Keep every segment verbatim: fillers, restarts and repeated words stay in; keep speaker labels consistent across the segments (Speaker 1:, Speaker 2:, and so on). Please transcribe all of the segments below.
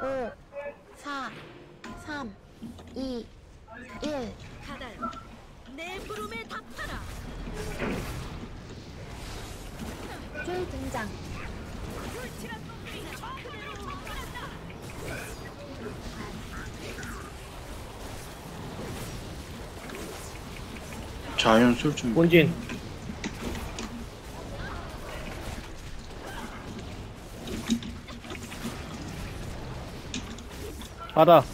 Speaker 1: 오, 사, 삼, 이, 일.
Speaker 2: 카달, 내 부름에 답하라.
Speaker 1: 줄 등장.
Speaker 2: 불칠한 놈들이 그대로 접근한다.
Speaker 3: 자연 쏠 좀.
Speaker 4: 본진. 바다.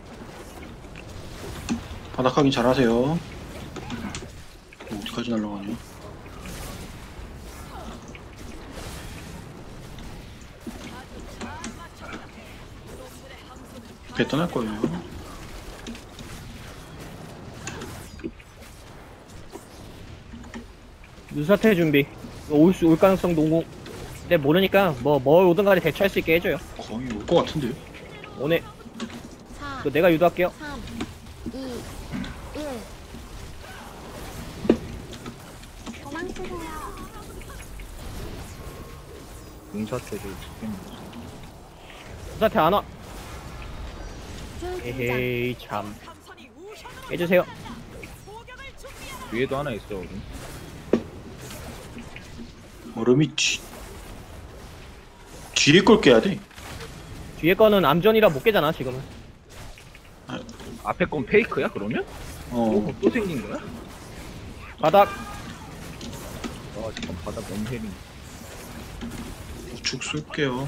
Speaker 3: 바닥 확인 잘하세요. 어, 어디까지 날라가냐? 배 떠날 거예요.
Speaker 4: 눈사태 준비. 올 수 올 가능성 농구. 근데 모르니까 뭐 뭘 오든 간에 대처할 수 있게 해줘요.
Speaker 3: 거의 올 것 같은데요?
Speaker 4: 오늘
Speaker 1: 사,
Speaker 4: 그 내가 유도할게요.
Speaker 1: 삼, 이, 일. 도망치세요.
Speaker 5: 용사태를 죽겠네.
Speaker 4: 눈사태 안 와.
Speaker 1: 줄 등장.
Speaker 4: 에헤이 참.
Speaker 2: 함선이 우편으로
Speaker 4: 해주세요.
Speaker 2: 포격을 준비하라.
Speaker 5: 위에도 하나 있어. 여기.
Speaker 3: 얼음이 뒤 뒤에 걸 깨야 돼.
Speaker 4: 뒤에 거는 암전이라 못 깨잖아 지금은.
Speaker 5: 앞에 건 페이크야 그러면?
Speaker 3: 어,
Speaker 5: 또, 또 생긴 거야?
Speaker 4: 바닥.
Speaker 5: 와 잠깐 바닥 너무 헤리.
Speaker 3: 우측 쏠게요.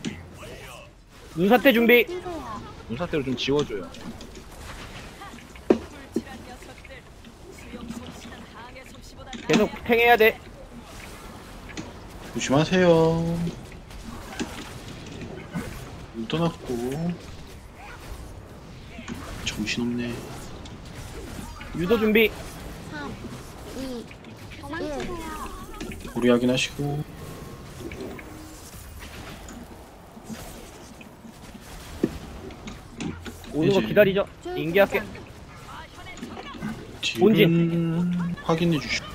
Speaker 4: 눈사태 준비.
Speaker 1: 뛰세요.
Speaker 5: 용사태를 좀 지워줘요.
Speaker 2: 불칠한 녀석들. 수영 솜씨는 항해 솜씨보다
Speaker 4: 계속 탱해야 돼.
Speaker 3: 조심하세요. 물 떠났고. 정신없네.
Speaker 4: 유도 준비.
Speaker 1: 삼, 이, 도망치세요.
Speaker 3: 고리 확인하시고.
Speaker 4: 오는 거
Speaker 3: 이제
Speaker 4: 기다리죠.
Speaker 1: 줄
Speaker 4: 인계할게.
Speaker 1: 등장.
Speaker 3: 뒤는 확인해 주시고.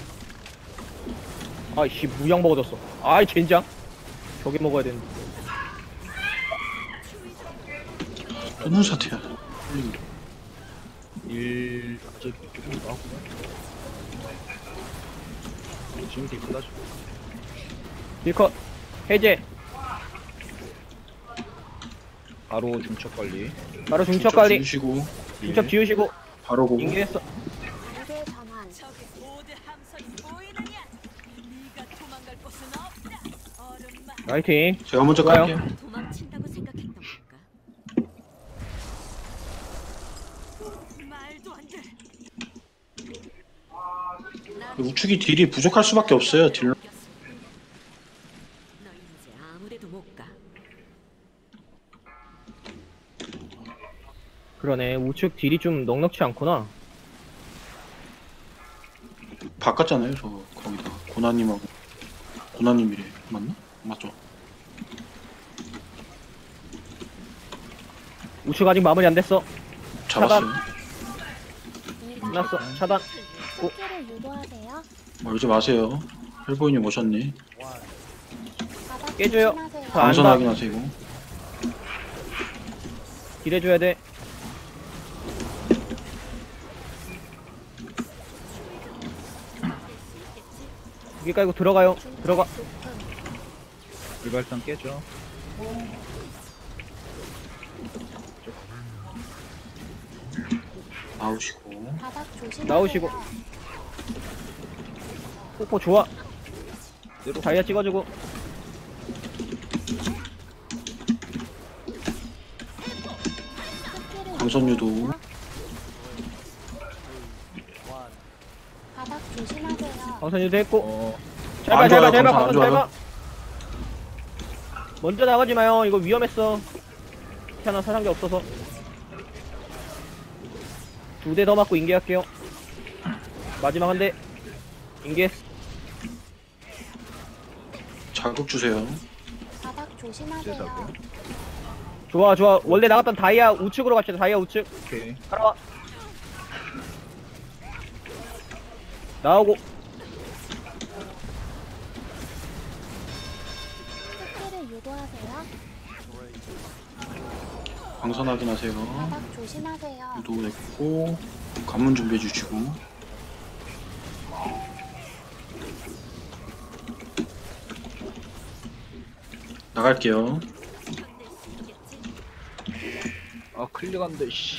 Speaker 4: 아이씨 무양 먹어졌어. 아이 젠장. 저기 먹어야 되는데.
Speaker 3: 또는 사태야.
Speaker 5: 일 갑자기 조금 나왔구나. 지금 되게 끝나죠.
Speaker 4: 딜컷. 해제.
Speaker 5: 바로 중첩 관리.
Speaker 4: 바로 중첩 관리.
Speaker 3: 주시고.
Speaker 4: 중첩 지우시고.
Speaker 3: 바로 보고.
Speaker 4: 인계했어.
Speaker 1: 무대 전환.
Speaker 2: 저기 모두 함선이 보이느냐? 네가 도망갈 곳은 없다. 얼음만
Speaker 4: 라이팅.
Speaker 3: 제가 먼저
Speaker 4: 좋아요.
Speaker 3: 갈게요.
Speaker 2: 도망친다고 생각했던 건가? 말도 안 돼. 나
Speaker 3: 우측이 딜이 부족할 수밖에 없어요. 딜.
Speaker 2: 너 이제 아무데도 못 가.
Speaker 4: 그러네. 우측 딜이 좀 넉넉치 않구나.
Speaker 3: 바꿨잖아요. 저 거기다 고나님하고. 고나님이래. 맞나? 맞죠.
Speaker 4: 우측 아직 마무리 안 됐어.
Speaker 3: 잡았어요.
Speaker 4: 끝났어. 차단.
Speaker 1: 스킬을 유도하세요.
Speaker 3: 멀지 마세요. 헬보이님 오셨네.
Speaker 1: 바닥
Speaker 4: 깨줘요.
Speaker 1: 조심하세요.
Speaker 4: 저 안-
Speaker 3: 방선
Speaker 4: 봐.
Speaker 3: 확인하세요.
Speaker 4: 딜해줘야 돼. 여기 깔고 들어가요. 들어가.
Speaker 5: 일발상 깨져.
Speaker 3: 나오시고.
Speaker 1: 바닥 조심하세요.
Speaker 4: 나오시고. 폭포 좋아.
Speaker 5: 내려.
Speaker 4: 다이아 찍어주고.
Speaker 1: 스킬을
Speaker 3: 방선 유도.
Speaker 1: 유도하세요. 바닥 조심하세요.
Speaker 4: 방선 유도 했고.
Speaker 5: 어
Speaker 4: 잘 봐,
Speaker 3: 안
Speaker 4: 잘 봐,
Speaker 3: 좋아요,
Speaker 4: 잘 봐,
Speaker 3: 방선 안
Speaker 4: 방선 잘
Speaker 3: 좋아요.
Speaker 4: 봐. 먼저 나가지 마요. 이거 위험했어. 하나 사상자 없어서. 두 대 더 맞고 인계할게요. 마지막 한 대. 인계.
Speaker 3: 자극 주세요.
Speaker 1: 바닥
Speaker 5: 제사고요.
Speaker 1: 조심하세요.
Speaker 4: 좋아, 좋아. 원래 나갔던 다이아 우측으로 갑시다. 다이아 우측.
Speaker 5: 오케이.
Speaker 4: 따라와. 나오고.
Speaker 1: 스킬을 유도하세요.
Speaker 3: 광선 확인하세요.
Speaker 1: 바닥 조심하세요.
Speaker 3: 유도 됐고 관문 준비해 주시고. 나갈게요.
Speaker 5: 아 클릭한데 씨.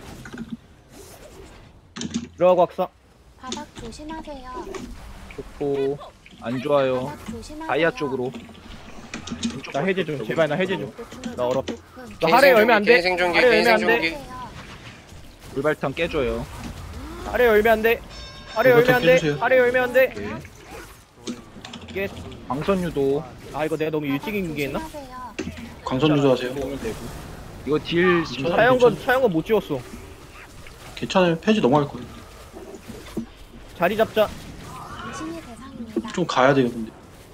Speaker 4: 들어가고 학사.
Speaker 1: 바닥 조심하세요.
Speaker 5: 좋고 안 좋아요.
Speaker 1: 바닥 조심하세요.
Speaker 5: 다이아 쪽으로.
Speaker 4: 나 해제 좀 제발 나 해제 좀.
Speaker 1: 보충을
Speaker 4: 나 얼어.
Speaker 1: 조금.
Speaker 4: 너 하래 열면 안 돼.
Speaker 6: 개인 생존기,
Speaker 4: 하래
Speaker 6: 개인
Speaker 4: 열면 안 돼.
Speaker 6: 생존기.
Speaker 1: 조심하세요.
Speaker 5: 불발탄 깨줘요.
Speaker 4: 하래 열면 안 돼. 하래
Speaker 3: 그거
Speaker 4: 열면 안 돼.
Speaker 3: 해주세요.
Speaker 4: 하래 열면 안 돼.
Speaker 5: 오케이.
Speaker 4: 이게
Speaker 5: 광선 유도
Speaker 4: 아 이거 내가 너무 일찍 인기했나?
Speaker 1: 조심하세요.
Speaker 3: 광선 유도하세요.
Speaker 5: 오면 되고. 이거 딜 지금
Speaker 3: 괜찮아요.
Speaker 4: 차영건 차영건 못 지웠어.
Speaker 3: 괜찮아요. 페이지 넘어갈 거예요.
Speaker 4: 자리 잡자.
Speaker 1: 신의 대상입니다.
Speaker 3: 좀 가야 돼요. 근데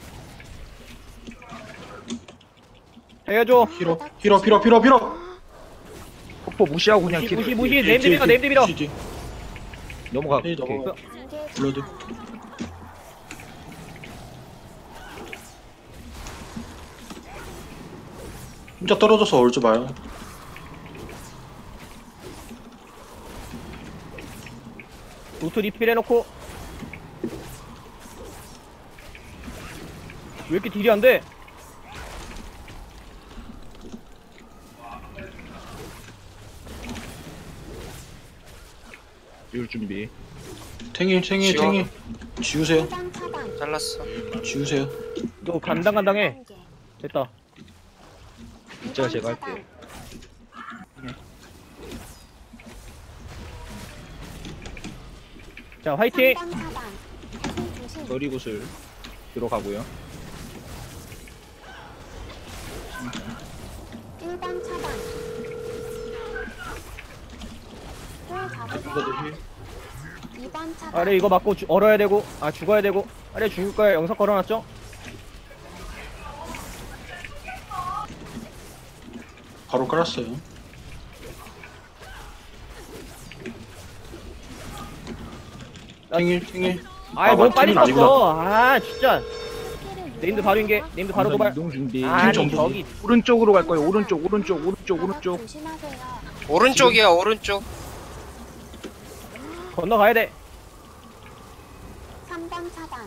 Speaker 4: 해줘.
Speaker 3: 힐업 힐업 힐업 힐업 힐업.
Speaker 5: 폭포 무시하고 그냥
Speaker 4: 무시
Speaker 5: 딜
Speaker 4: 무시 무시 네임드 밀어 네임드 밀어.
Speaker 5: 넘어가.
Speaker 3: 페이지
Speaker 5: 오케이.
Speaker 3: 넘어가.
Speaker 1: 단계
Speaker 3: 블러드. 혼자 떨어져서 얼지 마요.
Speaker 4: 노트 리필 해놓고. 왜 이렇게 딜이 안 돼?
Speaker 5: 율 준비.
Speaker 3: 탱일 탱일
Speaker 6: 지워.
Speaker 3: 탱일. 지우세요.
Speaker 1: 일반 차단.
Speaker 6: 잘랐어.
Speaker 3: 지우세요.
Speaker 4: 너 간당간당해. 됐다.
Speaker 5: 이제가 제가 할게요.
Speaker 4: 자 화이팅.
Speaker 1: 일반 차단. 조심 조심.
Speaker 5: 거리구슬 들어가고요.
Speaker 1: 일반 차단. 쫄 잡으세요.
Speaker 3: 블러드 힐.
Speaker 1: 이번 차단.
Speaker 4: 아래 이거 맞고 주, 얼어야 되고 아 죽어야 되고 아래 죽을 거야. 영석 걸어놨죠?
Speaker 3: 바로 깔았어요. 탱일 탱일.
Speaker 4: 아이
Speaker 3: 아,
Speaker 4: 너무
Speaker 3: 맞-
Speaker 4: 빨리
Speaker 3: 팀은
Speaker 4: 썼어. 아 진짜.
Speaker 1: 스킬을
Speaker 4: 네임드 바로 인게. 네임드 바로
Speaker 5: 광선
Speaker 4: 도발.
Speaker 5: 이동 준비.
Speaker 4: 아니
Speaker 3: 정도.
Speaker 4: 저기
Speaker 5: 오른쪽으로 갈 거예요. 오른쪽 오른쪽 오른쪽
Speaker 1: 바닥
Speaker 5: 오른쪽.
Speaker 1: 조심하세요.
Speaker 6: 오른쪽이야, 오른쪽.
Speaker 4: 건너가야 돼.
Speaker 1: 삼 번 차단.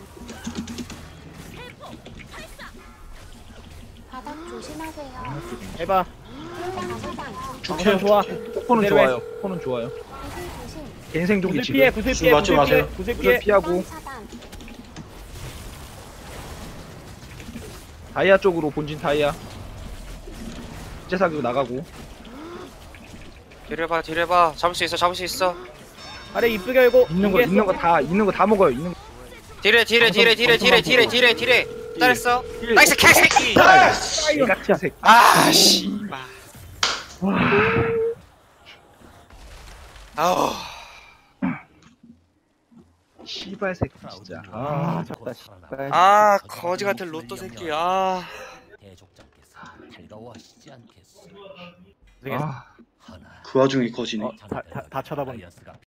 Speaker 1: 바닥 조심하세요.
Speaker 4: 해봐.
Speaker 1: 일 번 차단.
Speaker 3: 죽해요.
Speaker 4: 좋아.
Speaker 5: 폭포는
Speaker 4: 그대로 해.
Speaker 5: 좋아요. 폭포는 좋아요.
Speaker 1: 조심 조심.
Speaker 5: 개인 생존기
Speaker 4: 구슬
Speaker 5: 지금.
Speaker 4: 피해. 구슬
Speaker 3: 구슬
Speaker 4: 피해.
Speaker 3: 맞지
Speaker 4: 구슬 피해.
Speaker 3: 마세요.
Speaker 4: 구슬
Speaker 5: 구슬
Speaker 4: 피해.
Speaker 1: 일
Speaker 5: 피하고
Speaker 1: 번 차단.
Speaker 5: 다이아 쪽으로 본진 다이아. 제사기로 나가고.
Speaker 6: 뒤를 봐, 뒤를 봐. 잡을 수 있어, 잡을 수 있어.
Speaker 4: 아래 이쁘게 열고.
Speaker 5: 있는 거 있는 거 다 있는 거 다 먹어요. 있는 거.
Speaker 6: 뒤래, 뒤래, 뒤래, 뒤래, 뒤래, 뒤래, 뒤래, 뒤래. 잘했어. 나이스 개새끼.
Speaker 5: 깍지야 색.
Speaker 6: 아, 씨발. 아우.
Speaker 5: 씨발 새끼 진짜. 아,
Speaker 4: 아 졌다. 씨발.
Speaker 6: 아, 거지 같은 로또 새끼. 아.
Speaker 7: 대족장께서 달가워하시지 않겠소.
Speaker 5: 아.
Speaker 7: 하나
Speaker 3: 그 와중에 거지네.
Speaker 4: 어, 다, 다, 다 쳐다보네.
Speaker 7: 다이아스가